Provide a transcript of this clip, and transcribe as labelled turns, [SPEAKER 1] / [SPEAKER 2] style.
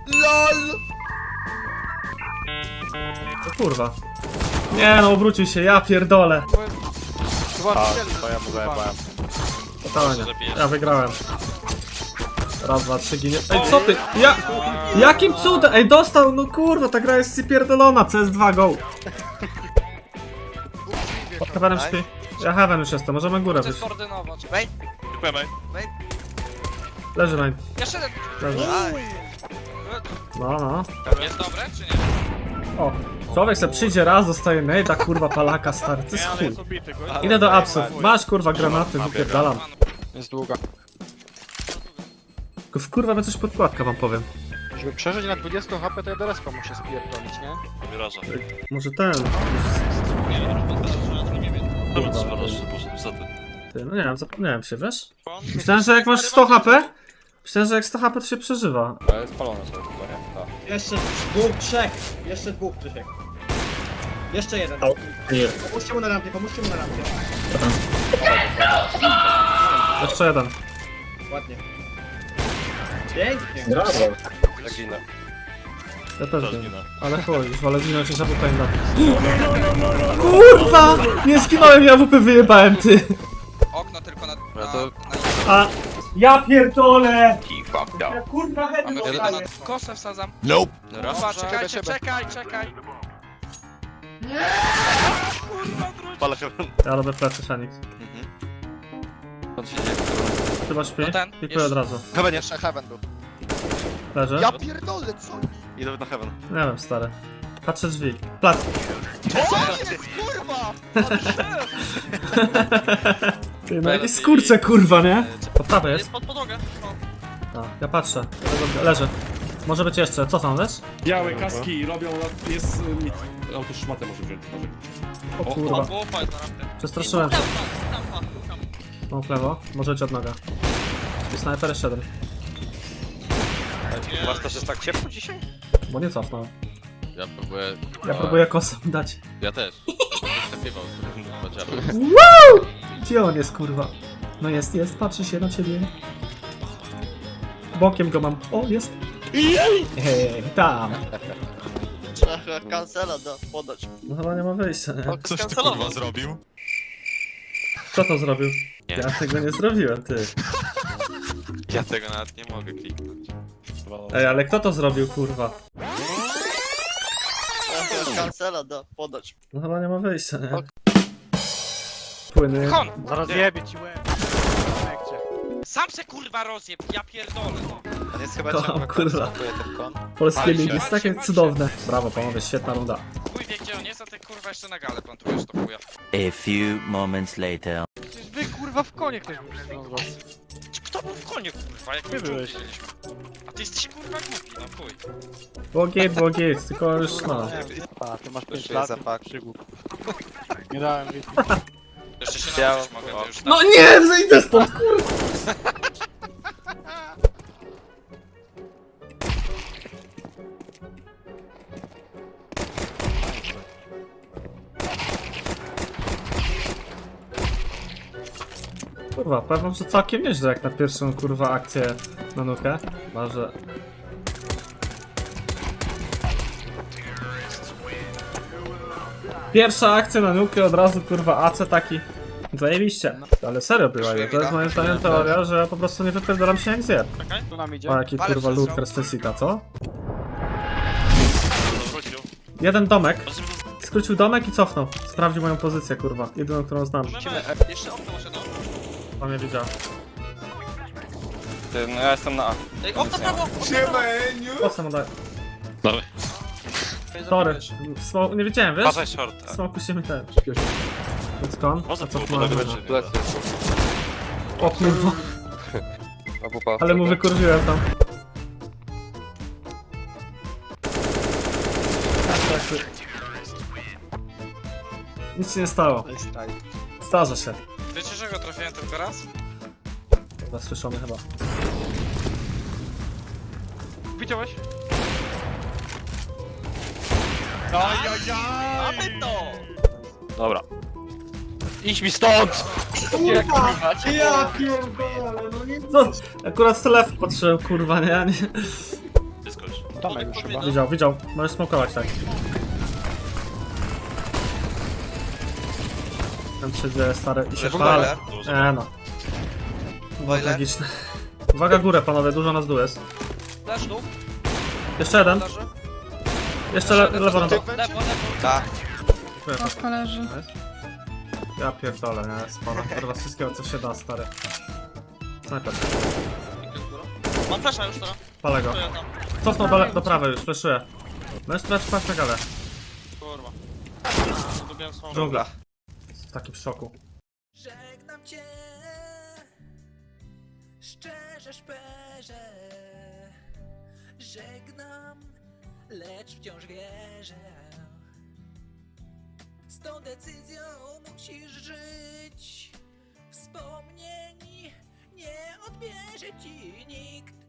[SPEAKER 1] LOL!
[SPEAKER 2] O kurwa. Nie no, obrócił się, ja pierdolę.
[SPEAKER 3] To ja mu zajebałem.
[SPEAKER 2] Totalnie. Ja wygrałem. Raz, dwa, trzy, ginie. Ej, co ty? Jakim cudem? Ej, dostał, no kurwa, ta gra jest pierdolona. CS2, go. Pod heavenem śpi. Ja heaven już jestem, możemy górę wyjść.
[SPEAKER 4] Skoordynować.
[SPEAKER 3] Dziękujemy.
[SPEAKER 2] Leży line.
[SPEAKER 4] Jeszcze jeden.
[SPEAKER 2] Leży. No.
[SPEAKER 4] Jest dobre, czy nie?
[SPEAKER 2] O. Człowiek se przyjdzie raz, dostaje nade'a, kurwa, palaka, stary. To jest
[SPEAKER 3] Nie, ale
[SPEAKER 2] chuj.
[SPEAKER 3] jest ubity, gość.
[SPEAKER 2] Idę do apsów. Masz, kurwa, granaty, wypierdalam.
[SPEAKER 5] Jest długa.
[SPEAKER 2] Tylko wkurwa mnie coś podkładka, wam powiem.
[SPEAKER 5] Żeby przeżyć na 20 HP, to ja do respa muszę spierdolić, nie?
[SPEAKER 3] Wyraża.
[SPEAKER 2] Może ten.
[SPEAKER 3] Dobra, poszedł za ty.
[SPEAKER 2] Ty, no nie wiem, zapomniałem się, wiesz? Myślałem, że jak masz 100 HP, myślałem, że jak 100 HP to się przeżywa.
[SPEAKER 3] Ale spalone są chyba, nie? Tak.
[SPEAKER 1] Jeszcze dwóch, trzech. Jeszcze dwóch, Krzysiek. Jeszcze jeden. Pomóżcie mu na rampie, pomóżcie mu na rampie.
[SPEAKER 2] Jeszcze jeden.
[SPEAKER 1] Ładnie. Pięknie.
[SPEAKER 3] Zaginę.
[SPEAKER 2] Ja też
[SPEAKER 3] To
[SPEAKER 2] wiem.
[SPEAKER 3] zginę.
[SPEAKER 2] Ale chuj, już wolę zginąć niż AWP na. Kurwa! Nie zginąłem, ja AWP wyjebałem, ty!
[SPEAKER 4] Okno tylko na...
[SPEAKER 2] A... Ja pierdolę!
[SPEAKER 4] Ja
[SPEAKER 2] kurwa head
[SPEAKER 4] Mamy jeden na... Kosę wsadzam.
[SPEAKER 3] Nope.
[SPEAKER 4] Dobra, czekajcie, czekaj.
[SPEAKER 3] Palę się.
[SPEAKER 2] Ja robię plecy, Fenix. Chyba śpi?
[SPEAKER 4] No ten,
[SPEAKER 2] Pikuję
[SPEAKER 4] jeszcze.
[SPEAKER 2] od razu.
[SPEAKER 3] Heaven
[SPEAKER 5] Jeszcze heaven był.
[SPEAKER 2] Leży?
[SPEAKER 5] Ja pierdolę, co?
[SPEAKER 3] Idę na heaven.
[SPEAKER 2] Nie wiem, stary. Patrzę drzwi. Plac.
[SPEAKER 5] Kurwa!
[SPEAKER 2] Ty, no jakieś skurcze, kurwa, nie? Po prawej jest?
[SPEAKER 4] Pod podłogę.
[SPEAKER 2] A, ja patrzę. Leży. Może być jeszcze. Co tam, wiesz?
[SPEAKER 6] Białe kaski robią, jest mit. Auto szmatę może wziąć.
[SPEAKER 2] O kurwa.
[SPEAKER 4] Łopa jest na rampie.
[SPEAKER 2] Przestraszyłem się.
[SPEAKER 4] Tam.
[SPEAKER 2] Mam w lewo. Może być od noga. I snajper jeszcze jeden.
[SPEAKER 3] Masz też jest tak ciepło dzisiaj?
[SPEAKER 2] Bo nie cofnął.
[SPEAKER 7] Ja próbuję.
[SPEAKER 2] Ja próbuję kosą dać.
[SPEAKER 7] Ja też. Przepiewał.
[SPEAKER 2] Gdzie on jest, kurwa? No jest, patrzy się na ciebie. Bokiem go mam. O, jest. Hej, tam.
[SPEAKER 1] Trzeba kancela podać.
[SPEAKER 2] No chyba nie ma wyjścia, nie?
[SPEAKER 7] Coś ty kurwa zrobił?
[SPEAKER 2] Kto to zrobił?
[SPEAKER 7] Nie.
[SPEAKER 2] Ja tego nie zrobiłem, ty.
[SPEAKER 7] Ja tego nawet nie mogę kliknąć.
[SPEAKER 2] Ej, ale kto to zrobił, kurwa?
[SPEAKER 1] Trzeba kancela podać.
[SPEAKER 2] No chyba nie ma wyjścia, nie? Płyny.
[SPEAKER 4] Kon!
[SPEAKER 5] Zaraz jebie ci łeb.
[SPEAKER 4] Sam se kurwa rozjeb, ja pierdolę no.
[SPEAKER 5] On jest chyba
[SPEAKER 2] Kocham,
[SPEAKER 5] ciągle
[SPEAKER 2] kurwa.
[SPEAKER 5] konstruuje ten kon.
[SPEAKER 2] Polskie
[SPEAKER 4] Walcie,
[SPEAKER 2] ligi jest takie
[SPEAKER 4] walcie.
[SPEAKER 2] cudowne. Brawo, panowie, świetna runda.
[SPEAKER 4] Chuj wie gdzie on jest, a ty kurwa jeszcze na galę plantujesz to chuja.
[SPEAKER 8] A few moments later.
[SPEAKER 5] Przecież wy kurwa w konie ktoś był z was.
[SPEAKER 4] Kto był w konie kurwa, jak my
[SPEAKER 5] byłeś.
[SPEAKER 4] widzieliśmy? A ty jesteś kurwa głupi, no chuj.
[SPEAKER 2] Było git, tylko już no.
[SPEAKER 5] A, ty masz 5
[SPEAKER 3] Jeszcze
[SPEAKER 5] lat.
[SPEAKER 3] jest zapach.
[SPEAKER 5] Przygód. Nie dałem wiedzieć.
[SPEAKER 4] Jeszcze się nauczyć mogę, to już
[SPEAKER 2] No nie, zejdę stąd, kurwa! Kurwa, powiem wam, że całkiem nieźle jak na pierwszą kurwa akcję na nukę. Może... Pierwsza akcja na nukę, od razu kurwa AC taki. Zajebiście. Ale serio była, to jest moim zdaniem teoria, że ja po prostu nie wypierdalam się jak zjeb.
[SPEAKER 5] Tu nam idzie.
[SPEAKER 2] O jaki
[SPEAKER 4] Ale
[SPEAKER 2] kurwa
[SPEAKER 4] przestrzał.
[SPEAKER 2] loot Krestesika, co?
[SPEAKER 3] Wrócił.
[SPEAKER 2] Jeden domek. Skrócił domek i cofnął. Sprawdził moją pozycję, kurwa. Jedyną, którą znam.
[SPEAKER 4] Jeszcze okno muszę no.
[SPEAKER 2] Pan mnie widział.
[SPEAKER 3] Ty, no ja jestem na A.
[SPEAKER 4] Ej, okno prawo!
[SPEAKER 2] Po co mu dać?
[SPEAKER 7] Dawaj.
[SPEAKER 2] Sorry. Nie wiedziałem, wiesz?
[SPEAKER 3] Uważaj short.
[SPEAKER 2] Smoku się mi ten. Więc kon.
[SPEAKER 3] Może
[SPEAKER 2] A co
[SPEAKER 3] tu
[SPEAKER 2] tu mamy?
[SPEAKER 3] podać
[SPEAKER 2] O kurwa.
[SPEAKER 3] AWP.
[SPEAKER 2] Ale mu wykurwiłem tam. Nic się nie stało. Zdarza się.
[SPEAKER 4] Wiecie, że go trafiłem tylko raz?
[SPEAKER 2] Zasłyszony chyba.
[SPEAKER 5] Widziałeś?
[SPEAKER 4] Mamy to!
[SPEAKER 3] Dobra. Idź mi stąd!
[SPEAKER 1] Ja pierdolę, no nie...
[SPEAKER 2] Co? Akurat w telefon patrzyłem, kurwa, nie?
[SPEAKER 3] Wyskocz.
[SPEAKER 5] Tomek już chyba.
[SPEAKER 2] Widział. Możesz smokować, tak. Tam się dzieje, stary. I się
[SPEAKER 7] Leży
[SPEAKER 2] chwalę.
[SPEAKER 7] boiler.
[SPEAKER 2] No. Było
[SPEAKER 7] Boiler.
[SPEAKER 2] tragiczne. Uwaga górę, panowie, dużo nas tu jest.
[SPEAKER 4] Dasz tu?
[SPEAKER 2] Jeszcze jeden.
[SPEAKER 4] Leży.
[SPEAKER 2] Jeszcze lewo na
[SPEAKER 5] Ty
[SPEAKER 2] to.
[SPEAKER 5] będzie?
[SPEAKER 4] Lewo, lewo.
[SPEAKER 7] Tak.
[SPEAKER 9] Paska leży.
[SPEAKER 2] Ja pierdolę, nie? Sporo. Kurwa, wszystkiego co się da, stary. Snajper.
[SPEAKER 4] Mam flasha już teraz.
[SPEAKER 2] Palę go.
[SPEAKER 4] To ja tam.
[SPEAKER 2] Cofnął do prawej już, fleszuję. Możesz sprawdzić paść na galę.
[SPEAKER 4] Kurwa. Lubiłem swą
[SPEAKER 2] Dżungla. W takim szoku.
[SPEAKER 10] Żegnam cię, szczerze szperze. Żegnam, lecz wciąż wierzę. Z tą decyzją musisz żyć. Wspomnień nie odbierze ci nikt.